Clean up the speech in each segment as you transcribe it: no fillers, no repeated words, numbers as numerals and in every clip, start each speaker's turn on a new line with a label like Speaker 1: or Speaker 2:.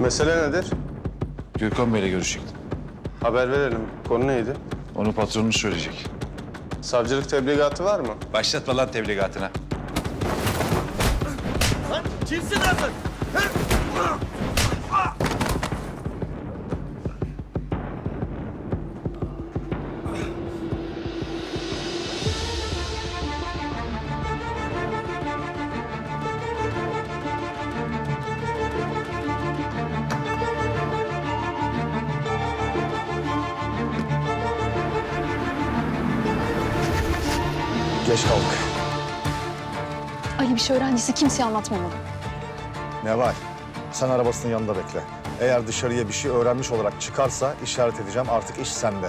Speaker 1: Mesele nedir?
Speaker 2: Gürkan Bey'le görüşecektim.
Speaker 1: Haber verelim. Konu neydi?
Speaker 2: Onu patronumuz söyleyecek.
Speaker 1: Savcılık tebligatı var mı?
Speaker 2: Başlatma lan tebligatına.
Speaker 3: Kimsin lan sen?
Speaker 4: Geç kaldık.
Speaker 5: Ali bir şey öğrendiyse kimseye anlatmamalı.
Speaker 4: Neval, sen arabasının yanında bekle. Eğer dışarıya bir şey öğrenmiş olarak çıkarsa işaret edeceğim. Artık iş sende.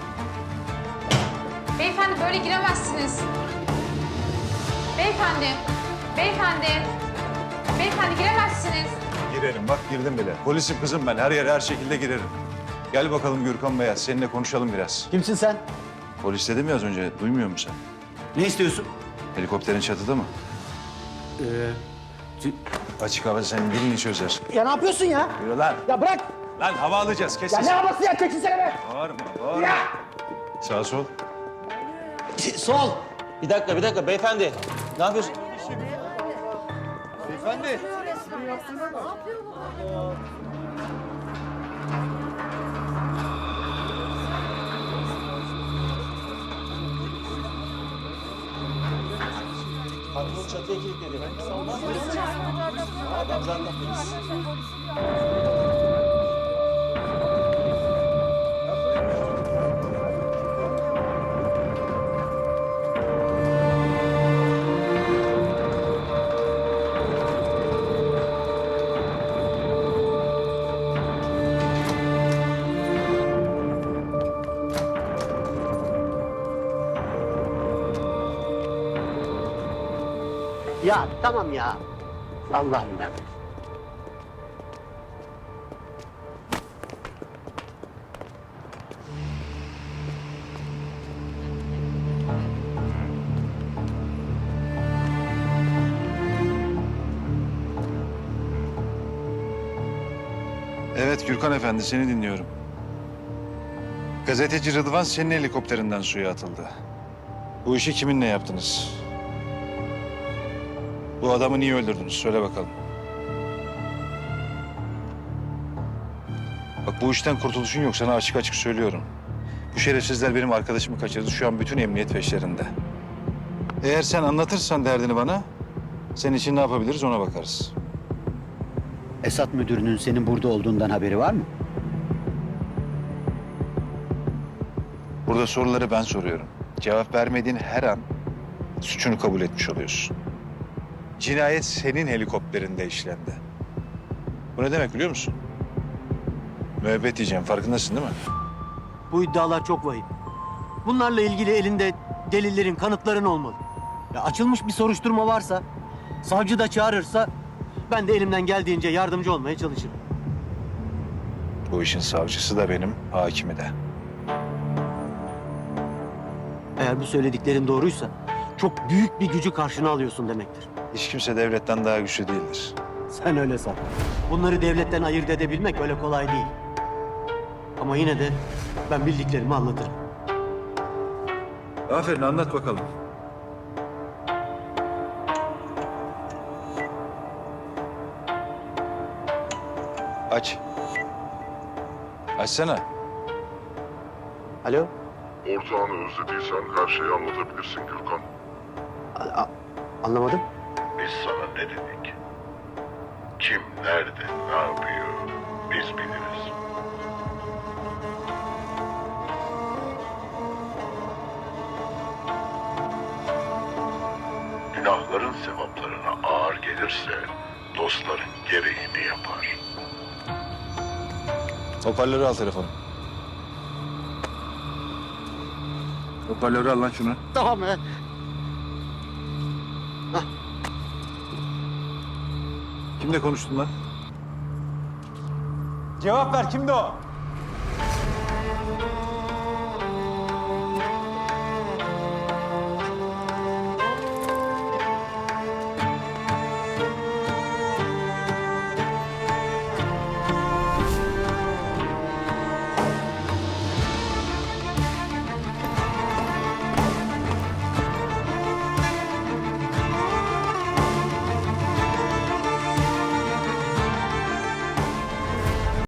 Speaker 6: Beyefendi böyle giremezsiniz. Beyefendi, beyefendi, beyefendi giremezsiniz.
Speaker 2: Girerim bak girdim bile. Polisim kızım ben her yere her şekilde girerim. Gel bakalım Gürkan Bey'e seninle konuşalım biraz.
Speaker 3: Kimsin sen?
Speaker 2: Polis dedim ya az önce duymuyor musun sen?
Speaker 3: Ne istiyorsun?
Speaker 2: Helikopterin çatıda mı? Açık havada senin dilini çözer.
Speaker 3: Ya ne yapıyorsun ya?
Speaker 2: Yürü lan.
Speaker 3: Ya bırak!
Speaker 2: Lan hava alacağız kes
Speaker 3: Ya ne
Speaker 2: sesini.
Speaker 3: havası ya? Çekilsene be!
Speaker 2: Bağırma bağırma. Sağ sol.
Speaker 7: Sol. Bir dakika beyefendi. Ne yapıyorsun?
Speaker 3: Beyefendi!
Speaker 7: Patron çatıya kilitledi. Adamlarla polis.
Speaker 8: Ya tamam ya. Allah'ım ya.
Speaker 2: Evet Gürkan Efendi seni dinliyorum. Gazeteci Rıdvan senin helikopterinden suya atıldı. Bu işi kiminle yaptınız? Bu adamı niye öldürdünüz? Söyle bakalım. Bak bu işten kurtuluşun yok. Sana açık açık söylüyorum. Bu şerefsizler benim arkadaşımı kaçırdı. Şu an bütün emniyet peşlerinde. Eğer sen anlatırsan derdini bana, senin için ne yapabiliriz ona bakarız.
Speaker 8: Esat müdürünün senin burada olduğundan haberi var mı?
Speaker 2: Burada soruları ben soruyorum. Cevap vermediğin her an suçunu kabul etmiş oluyorsun. Cinayet senin helikopterinde işlendi. Bu ne demek biliyor musun? Müebbet diyeceğim, farkındasın değil mi?
Speaker 9: Bu iddialar çok vahim. Bunlarla ilgili elinde delillerin, kanıtların olmalı. Ya açılmış bir soruşturma varsa, savcı da çağırırsa ben de elimden geldiğince yardımcı olmaya çalışırım.
Speaker 2: Bu işin savcısı da benim, hakimi de.
Speaker 9: Eğer bu söylediklerin doğruysa çok büyük bir gücü karşına alıyorsun demektir.
Speaker 2: Hiç kimse devletten daha güçlü değildir.
Speaker 9: Sen öyle san. Bunları devletten ayırt edebilmek öyle kolay değil. Ama yine de ben bildiklerimi anlatırım.
Speaker 2: Aferin, anlat bakalım. Aç. Açsana.
Speaker 9: Alo?
Speaker 10: Ortağını özlediysen her şeyi anlatabilirsin Gürkan.
Speaker 9: Anlamadım.
Speaker 10: Biz sana ne dedik? Kim, nerede, ne yapıyor biz biliriz. Günahların sevaplarına ağır gelirse dostların gereğini yapar.
Speaker 2: Hoparlörü al telefonu. Hoparlörü al lan şunu.
Speaker 8: Tamam be.
Speaker 2: Kimle konuştun lan?
Speaker 9: Cevap ver, kimdi o?